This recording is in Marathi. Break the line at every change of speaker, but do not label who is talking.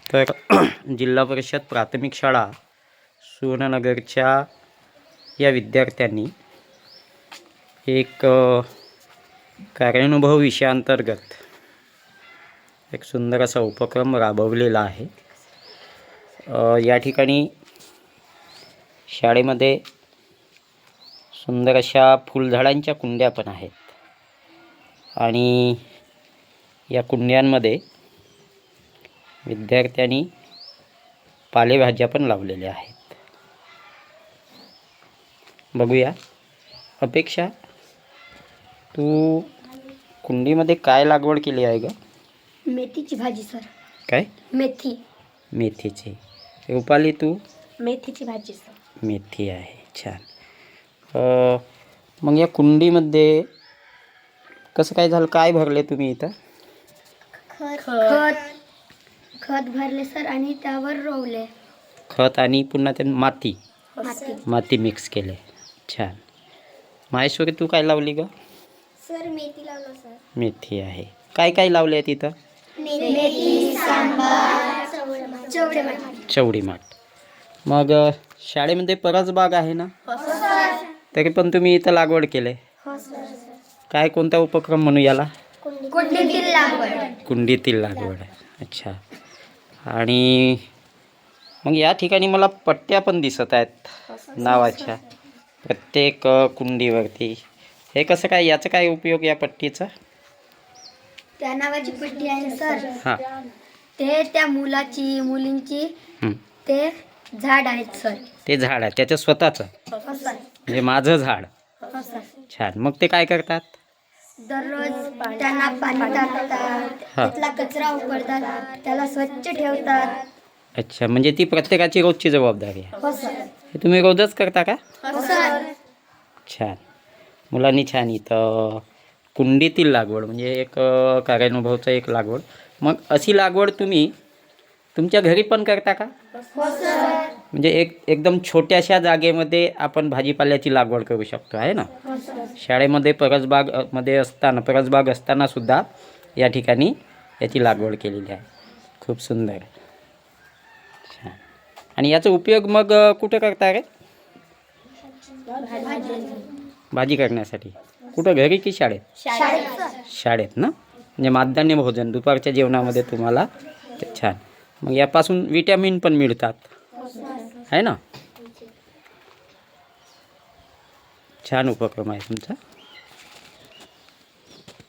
तर जिल्हा परिषद प्राथमिक शाळा सुवर्णनगरच्या या विद्यार्थ्यांनी एक कार्यानुभव विषयांतर्गत एक सुंदर असा उपक्रम राबवलेला आहे। या ठिकाणी शाळेमध्ये सुंदर अशा फुलझाडांच्या कुंड्या पण आहेत आणि या कुंड्यांमध्ये विद्यार्थ्यांनी पालेभाज्या पण लावलेल्या आहेत। बघूया, अपेक्षा तू कुंडीमध्ये काय लागवड केली आहे ग?
मेथीची भाजी सर।
काय? मेथीची। रुपाली तू?
मेथीची भाजी सर।
मेथी आहे, छान। मग या कुंडीमध्ये कसं काय झालं, काय भरले तुम्ही इथं?
खत भरले सर आणि त्यावर रोवले।
खत आणि पुन्हा ते माती
माती
मिक्स केले, छान। माहेश्वरी तू काय लावली ग?
सर मेथी लावलं सर।
मेथी आहे। काय काय लावले आहे तिथं?
मेथी, सांबार,
चवडी माठ। मग शाळेमध्ये परसबाग आहे ना? तरी पण तुम्ही इथं लागवड केले, काय कोणता उपक्रम म्हणू याला? कुंडीतील लागवड। अच्छा। आणि मग या ठिकाणी मला पट्ट्या पण दिसत आहेत नावाच्या प्रत्येक कुंडीवरती। हे कसं काय, याचं काय उपयोग या पट्टीचा?
त्या नावाची पट्टी आहे सर।
हां,
ते त्या मुलींची ते झाड आहेत सर।
ते झाड आहे त्याचं स्वतःचं, म्हणजे माझं झाड। छान। मग ते काय करतात?
दररोज त्यांना पाणी टाकतात, तिथला कचरा उपडतात, त्याला स्वच्छ ठेवतात।
अच्छा, म्हणजे ती प्रत्येकाची रोजची जबाबदारी आहे।
हो सर।
हे तुम्ही रोजच करता का?
हो सर।
छान, मुलांनी छान इथं कुंडीतील लागवड म्हणजे एक कार्यानुभवचं एक लागवड। मग अशी लागवड तुम्ही तुमच्या घरी पण करता का?
हो सर।
म्हणजे एकदम छोट्याशा जागेमध्ये आपण भाजीपाल्याची लागवड करू शकतो, आहे ना? शाळेमध्ये परसबाग असताना सुद्धा या ठिकाणी याची लागवड केलेली आहे। खूप सुंदर, छान। आणि याचा उपयोग मग कुठं करता रे? भाजी करण्यासाठी। कुठं, घरी की शाळेत? शाळेत ना, म्हणजे माध्यान्ह भोजन दुपारच्या जेवणामध्ये तुम्हाला ते, छान। मग यापासून विटॅमिन पण मिळतात, आहे ना? छान उपक्रम आहे तुमचा।